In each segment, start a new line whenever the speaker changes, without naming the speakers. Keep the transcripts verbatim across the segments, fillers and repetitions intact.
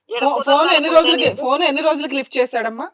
ఈడ
ఫో ఫోన్
కుదరదు
ఎన్ని
అనుకుంటే
రోజులకి
నీకు
ఫోన్ ఎన్ని రోజులకి లిఫ్ట్ చేశాడమ్మా?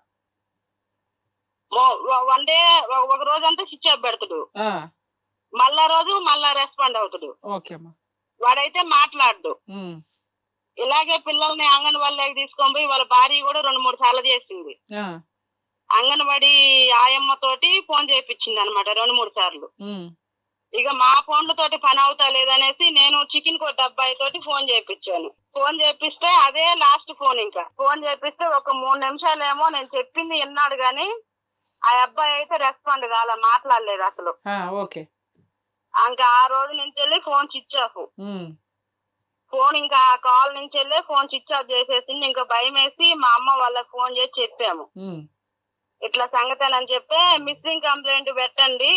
వన్ డే ఒక రోజంతా స్విచ్ ఆఫ్ పెడతాడు,
ఆ!
మళ్ళా రోజు మళ్ళా రెస్పాండ్ అవుతాడు.
ఓకే అమ్మా.
వాడైతే మాట్లాడు.
హ్మ్.
ఇలాగే పిల్లల్ని అంగన్వాడీలోకి తీసుకొని పోయి వాళ్ళ భార్య కూడా రెండు మూడు సార్లు చేసింది.
ఆ!
అంగన్వాడీ ఆయమ్మ తోటి ఫోన్ చేయించింది అనమాట రెండు మూడు సార్లు.
హ్మ్.
ఇక మా ఫోన్లతోటి పని అవుతా లేదనేసి నేను చికెన్ కొట్టు అబ్బాయి తోటి ఫోన్ చేయించాను. ఫోన్ చేపిస్తే అదే లాస్ట్ ఫోన్. ఇంకా ఫోన్ చేపిస్తే ఒక మూడు నిమిషాలేమో నేను చెప్పింది విన్నాడు గాని ఆ అబ్బాయి అయితే రెస్పాండ్ కాల, మాట్లాడలేదు అసలు.
ఆ! ఓకే.
ఇంకా ఆ రోజు నుంచి వెళ్ళి ఫోన్ స్విచ్ ఆఫ్.
హ్మ్.
ఫోన్ ఇంకా ఆ కాల్ నుంచి వెళ్ళి ఫోన్ స్విచ్ ఆఫ్ చేసేసింది. ఇంకా భయం వేసి మా అమ్మ వాళ్ళకి ఫోన్ చేసి చెప్పాము,
హ్మ్.
ఇట్లా సంగతేనని చెప్తే మిస్సింగ్ కంప్లైంట్ పెట్టండి,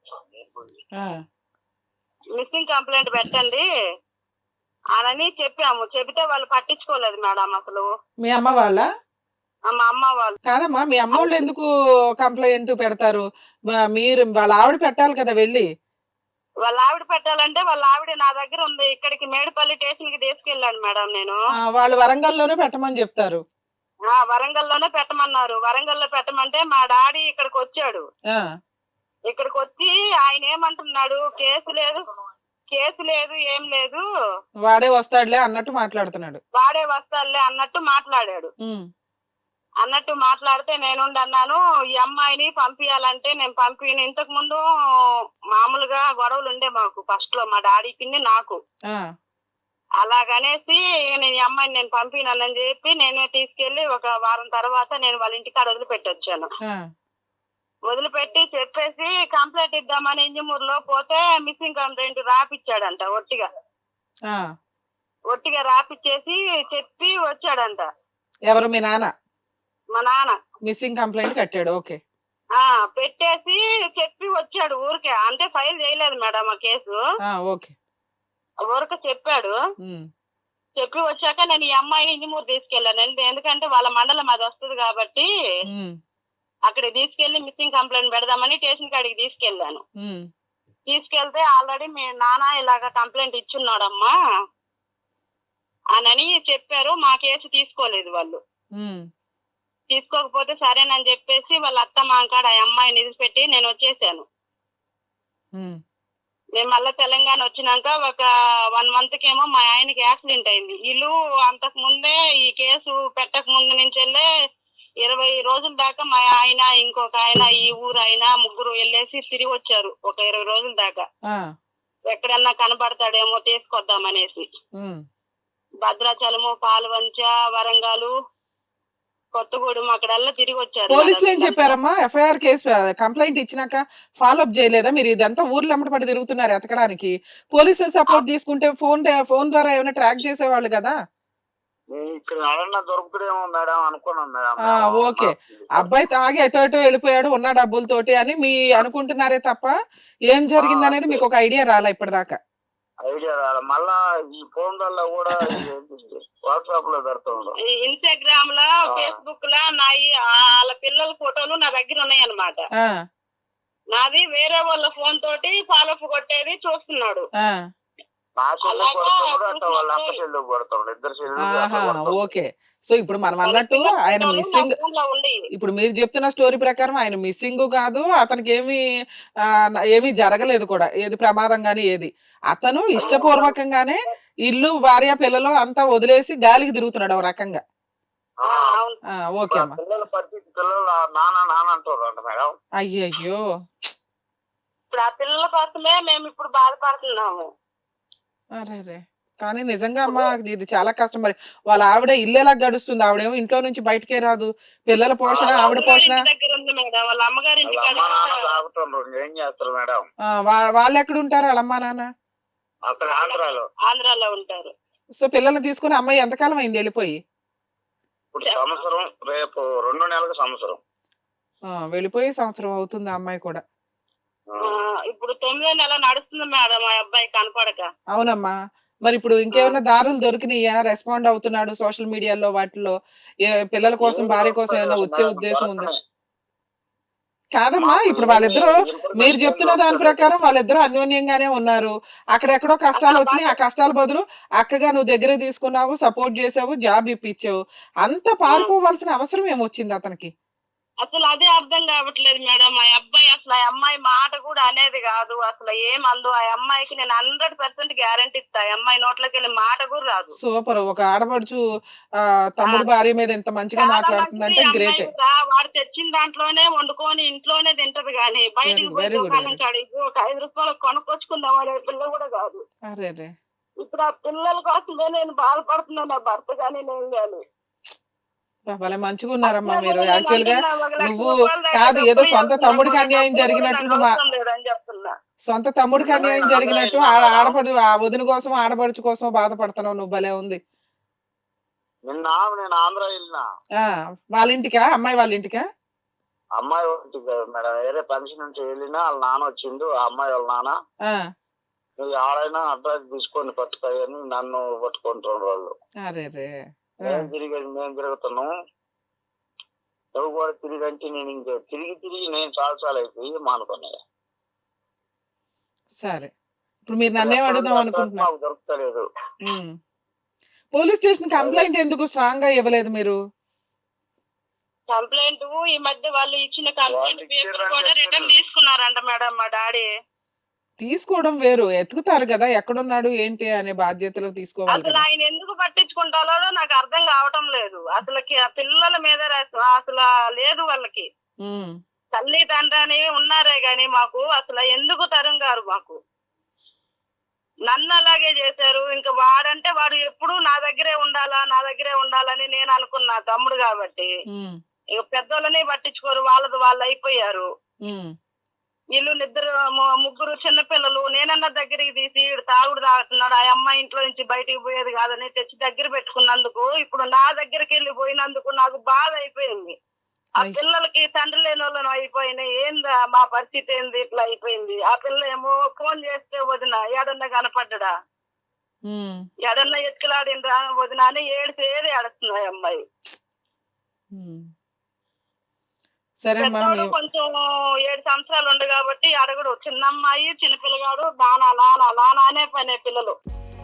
ఆ!
మిస్సింగ్ కంప్లైంట్ పెట్టండి అని చెప్పాము. చెబితే వాళ్ళు పట్టించుకోలేదు మేడం అసలు.
మీ అమ్మ వాళ్ళా?
ఆ, మా అమ్మ వాళ్ళు.
కాదమ్మా, మీ అమ్మోళ్ళు ఎందుకు కంప్లెయింట్ పెడతారు? మ- మీరు వాళ్ళ ఆవిడ పెట్టాలి కదా వెళ్ళి.
వాళ్ళ ఆవిడ పెట్టాలంటే వాళ్ళ ఆవిడ నా దగ్గర ఉంది. ఇక్కడికి మేడిపల్లి స్టేషన్ కి తీసుకెళ్ళాను మేడం నేను.
ఆ, వాళ్ళు వరంగల్లోనే పెట్టమని చెప్తారు.
ఆ వరంగల్లోనే పెట్టమన్నారు. వరంగల్లో పెట్టమంటే మా డాడీ ఇక్కడికి వచ్చాడు.
ఆ,
ఇక్కడికి వచ్చి ఆయన ఏమంటున్నాడు, కేసు లేదు కేసు లేదు ఏం లేదు,
వాడే వస్తాడులే అన్నట్టు మాట్లాడుతున్నాడు.
వాడే వస్తాడులే అన్నట్టు మాట్లాడాడు.
ఉమ్,
అన్నట్టు మాట్లాడితే నేనుండి అన్నాను, ఈ అమ్మాయిని పంపించాలంటే నేను పంపిను. ఇంతకు ముందు మామూలుగా గొడవలు ఉండే మాకు ఫస్ట్ లో మా డాడీకి నాకు.
ఆ,
అలాగనేసి నేను ఈ అమ్మాయిని నేను పంపినానని చెప్పి నేనే తీసుకెళ్లి ఒక వారం తర్వాత నేను వాళ్ళ ఇంటికాడ వదిలిపెట్టి వచ్చాను.
ఆ,
వదిలిపెట్టి చెప్పేసి కంప్లైంట్ ఇద్దామని ఇంజమూరులో పోతే మిస్సింగ్ కంప్లైంట్ రాపిచ్చాడంట. ఒట్టిగా
ఆ.
ఒట్టిగా రాపిచ్చేసి చెప్పి వచ్చాడంట.
ఎవరు మీ నాన్న?
మా నాన్న
మిస్సింగ్ కంప్లైంట్ కట్టాడు. ఓకే.
ఆ పెట్టేసి చెప్పి వచ్చాడు ఊరికే. అంటే ఫైల్ చేయలేదు మేడం ఆ కేసు,
ఆ, ఓకే.
ఊరికే చెప్పాడు.
ఉమ్,
చెప్పి వచ్చాక నేను ఈ అమ్మాయిని ఇంజమూరు తీసుకెళ్ళాను. ఎందు- ఎందుకంటే వాళ్ళ మండలం అది వస్తుంది కాబట్టి
ఉమ్,
అక్కడికి తీసుకెళ్లి మిస్సింగ్ కంప్లైంట్ పెడదామని స్టేషన్ కాడికి తీసుకెళ్ళాను.
ఉమ్,
తీసుకెళ్తే ఆల్రెడీ మీ నాన్న ఇలాగ కంప్లైంట్ ఇచ్చున్నాడమ్మా అని చెప్పారు. మా కేసు తీసుకోలేదు వాళ్ళు.
ఉమ్,
తీసుకోకపోతే సరేనని చెప్పేసి వాళ్ళ అత్త మాంకాడ ఆ అమ్మాయిని నిలిచిపెట్టి నేను వచ్చేసాను.
ఉమ్,
మేము మళ్ళీ తెలంగాణ వచ్చినాక ఒక వన్ మంత్ కేమో మా ఆయనకి యాక్సిడెంట్ అయింది. వీళ్ళు అంతకు ముందే ఈ కేసు పెట్టక ముందు నుంచి వెళ్ళే ఇరవై రోజుల దాకా మా ఆయన ఇంకొక ఆయన ఈ ఊరు ఆయన ముగ్గురు వెళ్ళేసి తిరిగి వచ్చారు ఒక ఇరవై రోజుల దాకా.
ఆ,
ఎక్కడన్నా కనబడతాడేమో తీసుకొద్దామనేసి
ఉమ్.
భద్రాచలము, పాల్వంచ, వరంగల్, కొత్తగూడెం అక్కడల్లా తిరిగి వచ్చారు.
పోలీసులు ఏం చెప్పారమ్మా? ఎఫ్ఐఆర్ కేసు కంప్లైంట్ ఇచ్చినాక ఫాలో అప్ చేయలేదా? మీరు ఇదంతా ఊర్లో పడి తిరుగుతున్నారు ఎతకడానికి. పోలీసులు సపోర్ట్ తీసుకుంటే ఫోన్ ఫోన్ ద్వారా ఏమైనా ట్రాక్ చేసేవాళ్ళు కదా.
ఇక్కడ ఎవరన్నా దొరుకుతాడేమో మేడం అనుకున్నాం మేడం.
ఆ, ఓకే. అబ్బాయి తాగి ఎటో ఎటో వెళ్ళిపోయాడు ఉన్న డబ్బులతోటి అని మీ అనుకుంటున్నారే తప్ప ఏం జరిగింది అనేది మీకు ఒక ఐడియా రాలా ఇప్పటిదాకా?
ఐడియా రాలే. మళ్ళా ఈ ఫోన్ వల్ల కూడా వాట్సాప్ లో పెడుతుండ్రు,
ఇన్స్టాగ్రామ్ లో, ఫేస్బుక్ లో నా ఈ- వాళ్ళ పిల్లల ఫోటోలు నా దగ్గర ఉన్నాయి అన్నమాట.
ఆ,
నాది వేరే వాళ్ళ ఫోన్ తోటి ఫాలో అప్ కొట్టేది చూస్తున్నాడు.
ఆ,
నా చెల్లి కొడుతున్నాడు అట్లా వాళ్ళ అక్క చెల్లి కొడుతున్నాడు, ఇద్దరు
ఆహా,
చెల్లి.
ఓకే. సో ఇప్పుడు మనం అన్నట్టు ఆయన మిస్సింగ్, ఇప్పుడు మీరు చెప్తున్న స్టోరీ ప్రకారం ఆయన మిస్సింగ్ కాదు, అతనికి ఏమి ఆ, ఏమీ జరగలేదు కూడా, ఏది ప్రమాదం గానీ ఏది. అతను ఇష్టపూర్వకంగానే ఇల్లు భార్య పిల్లలు అంతా వదిలేసి గాలికి తిరుగుతున్నాడు ఒక రకంగా. ఆ, ఓకే అమ్మా.
పిల్లల పరిస్థితి, పిల్లలు నాన్న నాన్న అంటారు అంట మేడం.
అయ్యయ్యో.
ఇప్పుడు ఆ పిల్లల కోసమే మేము ఇప్పుడు బాధపడుతున్నాము.
అరే, కానీ నిజంగా అమ్మా ఇది చాలా కష్టం. మరి వాళ్ళ ఆవిడ ఇల్లు ఎలా గడుస్తుంది? ఆవిడేమో ఇంట్లో నుంచి బయటకే రాదు. పిల్లల పోషణ, ఆవిడ పోషణ.
దగ్గర ఉంది మేడం, వాళ్ళ అమ్మగారి ఇంటి
వాళ్ళ అమ్మ నాన్న తాగుతుండ్రు, ఏం చేస్తారు మేడం?
ఆ, వా- వాళ్ళు ఎక్కడ ఉంటారు వాళ్ళ అమ్మా నాన్న?
అక్కడ ఆంధ్రాలో.
ఆంధ్రాలో ఉంటారు.
సో పిల్లల్ని తీసుకుని అమ్మాయి ఎంతకాలం అయింది వెళ్ళిపోయి?
ఇప్పుడు సంవత్సరం, రేపు రెండు నెలలకు సంవత్సరం.
ఆ, వెళ్ళిపోయి సంవత్సరం అవుతుంది ఆ అమ్మాయి కూడా.
ఆ, ఇప్పుడు తొమ్మిదో నెల నడుస్తుంది మేడం మా అబ్బాయి కనపడక.
అవునమ్మా. మరి ఇప్పుడు ఇంకేమైనా దారులు దొరికినాయా? రెస్పాండ్ అవుతున్నాడు సోషల్ మీడియాలో వాటిలో? ఏ పిల్లల కోసం, భార్య కోసం ఏమైనా వచ్చే ఉద్దేశం ఉందా? కాదమ్మా
మాకు
ఇప్పుడు
ఏమి
వాళ్ళిద్దరూ మీరు
ఇన్ఫర్మేషన్ ఏం
చెప్తున్న దాని
దొరకలేదు.
ప్రకారం వాళ్ళిద్దరూ అన్యోన్యంగానే ఉన్నారు. అక్కడెక్కడో కష్టాలు
అసలు
వచ్చినాయి. ఆ కష్టాల బదులు అక్కగా నువ్వు దగ్గర తీసుకున్నావు, సపోర్ట్ చేసావు, జాబ్ ఇప్పించావు. అంత
ఉమ్.
పారిపోవాల్సిన అవసరం ఏమొచ్చింది అతనికి?
అసలు అదే అర్థం కావట్లేదు మేడం. ఆ అబ్బాయి అసలు ఆ అమ్మాయి మాట కూడా అనేది కాదు. అసలు ఏమందు ఆ అమ్మాయికి నేను హండ్రెడ్ పర్సెంట్ గ్యారంటీ ఇస్తా. ఆ అమ్మాయి నోట్లోకి వెళ్ళి మాట కూడా రాదు.
సూపర్. ఒక ఆడపడుచు ఆ
ఆ,
తమ్ముడు భార్య మీద ఇంత మంచిగా
చాలా మంచిది
మాట్లాడుతుందంటే
ఈ అమ్మాయి
గ్రేటే.
కూడా. వాడు తెచ్చిన దాంట్లోనే వండుకొని ఇంట్లోనే తింటది కానీ
వెరీ
బయటికి పోయి
వెరీ గుడ్
దుకాణం
వెరీ
కాడికి ఒక ఐదు రూపాయలు కొనుక్కొచ్చుకుందాం అనే పిల్ల కూడా కాదు.
అరే రే
ఇప్పుడు ఆ పిల్లల కోసమే నేను బాధపడుతున్నా, నా భర్త కానీ నేను కానీ.
భలే మంచిగా ఉన్నారమ్మా
అట్లా
మీరు.
కూడా నేను
యాక్చువల్ గా
అంటున్నా, ఒక లక్ష
నువ్వు
రూపాయల దాకా
కాదు ఏదో
డబ్బులు
సొంత
ఇవ్వాల్సిన
తమ్ముడికి
కూడా
అన్యాయం
డబ్బులు కూడా
జరిగినట్టు
నాకు
నువ్వు ఆ-
అవసరం లేదని చెప్తున్నా.
సొంత తమ్ముడికి
నిన్ననే
అన్యాయం
నిన్ననే
జరిగినట్టు
వెళ్ళినా
ఆ
మేడం.
ఆడపడు ఆ వదిన కోసం ఆడపడుచు కోసం బాధపడుతున్నావు నువ్వు. భలే ఉంది.
నిన్న నేను ఆంధ్ర వెళ్ళినా.
ఆ వాళ్ళ ఇంటికా? అమ్మాయి వాళ్ళ ఇంటికా?
అమ్మాయి ఒకటి కాదు మేడం, వేరే ఫంక్షన్ నుంచి వెళ్ళినా వాళ్ళ నాన్న వచ్చిండు. ఆ అమ్మాయి వాళ్ళ నాన్న
ఆ
నువ్వు ఎవరైనా అడ్రస్ తీసుకొని పట్టుకోయని నన్ను పట్టుకుంటున్నారు వాళ్ళు.
అరే రే ఆ,
మేము తిరిగి మేము తిరుగుతున్నాం. నువ్వు కూడా తిరిగి అంటే నేను ఇంకా తిరిగి తిరిగి నేను చాలా చాలా అయిపోయి మానుకున్నాయి.
సరే ఇప్పుడు మీరు నన్నేం అడుగుదాం
అడ్రస్
అనుకుంటున్నా?
మాకు దొరకలేదు.
ఉమ్. పోలీస్ స్టేషన్ కంప్లైంట్ ఎందుకు స్ట్రాంగ్ గా ఇవ్వలేదు మీరు?
కంప్లైంట్ ఈ మధ్య వాళ్ళు ఇచ్చిన కంప్లైంట్
వాళ్ళు
పేపర్
ఇచ్చారని
కూడా రిటర్న్
చెప్పారు.
తీసుకున్నారంట మేడం మా డాడీ.
తీసుకోవడం వేరు, ఎత్తుకుతారు కదా ఎక్కడున్నాడు ఏంటి అనే బాధ్యతలు తీసుకోవాలి
అసలు
కదా.
ఆయన ఎందుకు పట్టించుకుంటారో నాకు అర్థం కావటం లేదు. అసలు కి- పిల్లల మీద రస- అసలు లేదు వాళ్ళకి.
ఉమ్.
తల్లి తండ్రి అని ఉన్నారే గాని మాకు అసలు ఎందుకు తరం గారు మాకు. నన్ను అలాగే చేశారు. ఇంకా వాడంటే వాడు ఎప్పుడు నా దగ్గరే ఉండాలా నా దగ్గరే ఉండాలని నేను అనుకున్నా, తమ్ముడు కాబట్టి.
ఉమ్.
ఇక పెద్దోళ్ళని పట్టించుకోరు, వాళ్ళది వాళ్ళు అయిపోయారు.
ఉమ్.
వీళ్ళు ఇద్దరు ము- ముగ్గురు చిన్నపిల్లలు. నేనన్నా దగ్గరికి తీసి ఈడు తాగుడు తాగుతున్నాడు, ఆ అమ్మాయి ఇంట్లో నుంచి బయటికి పోయేది కాదని తెచ్చి దగ్గర పెట్టుకున్నందుకు ఇప్పుడు నా దగ్గరికి వెళ్ళి పోయినందుకు నాకు బాధ అయిపోయింది. ఆ
అయ్.
పిల్లలకి తండ్రి లేని వాళ్ళని అయిపోయినాయి. ఏందా మా పరిస్థితి ఏంది ఇట్లా అయిపోయింది. ఆ పిల్ల ఏమో ఫోన్ చేస్తే వదిన ఏడన్నా కనపడ్డా,
ఉమ్.
ఏడన్నా ఎత్తుకులాడిండ్రా వదిన అని ఏడిసేది ఏడుస్తున్నాయి అమ్మాయి.
ఉమ్. సరే అమ్మా
పెద్దోడు
మీ-
కొంచెం ఏడు సంవత్సరాలు ఉండు కాబట్టి అడగడు. చిన్న అమ్మాయి చిన్నపిల్లగాడు నానా నానా నానా అనే పనే పిల్లలు.